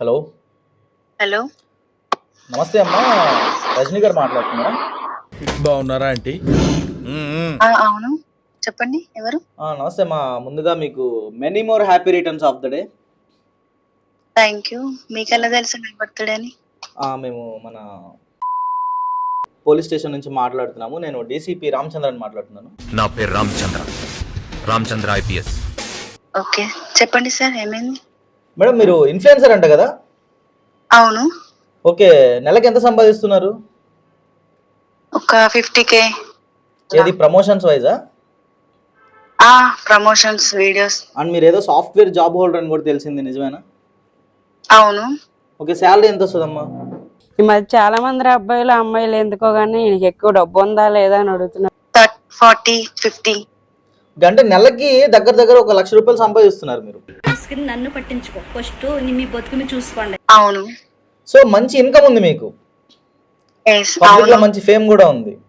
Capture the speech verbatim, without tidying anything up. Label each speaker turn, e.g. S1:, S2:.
S1: Hello
S2: hello
S1: నమస్తే అమ్మా, రజనీ గారు మాట్లాడుతున్నారా?
S3: బాగున్నారా ఆంటీ?
S2: ఆ, అవును చెప్పండి ఎవరు?
S1: ఆ, నమస్తే అమ్మా. ముందుగా మీకు many more happy returns of the day.
S2: Thank you. మీకు ఎలా తెలుసు నా బర్త్డే అని?
S1: మేము మన పోలీస్ స్టేషన్ నుంచి మాట్లాడుతున్నాము. నేను డీసీపీ రామచంద్రన్ మాట్లాడుతున్నాను.
S4: నా పేరు రామచంద్ర, రామచంద్ర ఐపీఎస్.
S2: ఓకే చెప్పండి సార్, ఏమైంది?
S1: మేడం, మీరు ఇన్ఫ్లుయెన్సర్ అంట కదా?
S2: అవును.
S1: ఓకే, నెలకి ఎంత సంపాదిస్తున్నారు?
S2: ఒక ఫిఫ్టీ కే.
S1: ఏది ప్రమోషన్స్ వైజా?
S2: ఆ ప్రమోషన్స్ వీడియోస్.
S1: అండ్ మీరు ఏదో సాఫ్ట్వేర్ జాబ్ హోల్డర్ అని కూడా తెలిసింది, నిజమేనా?
S2: అవును.
S1: ఓకే, శాలరీ ఎంత వస్తుందమ్మా?
S5: ఈ మధ్య చాలా మంది అబ్బాయిలు అమ్మాయిలు ఎందుకో గానీ ఈయనకి ఎక్కువ డబ్బు ఉందా లేదా అని అడుగుతున్నారు.
S2: Forty fifty.
S1: అంటే నెలకి దగ్గర దగ్గర ఒక లక్ష రూపాయలు సంపాదిస్తున్నారు మీరు.
S6: నన్ను పట్టించుకో, ఫస్ట్ మీ బతుకుని చూసుకోండి.
S2: అవును.
S1: సో మంచి ఇన్కమ్ ఉంది మీకు,
S2: Yes,
S1: పబ్లిక్ లో
S2: అవును.
S1: మంచి ఫేమ్ కూడా ఉంది.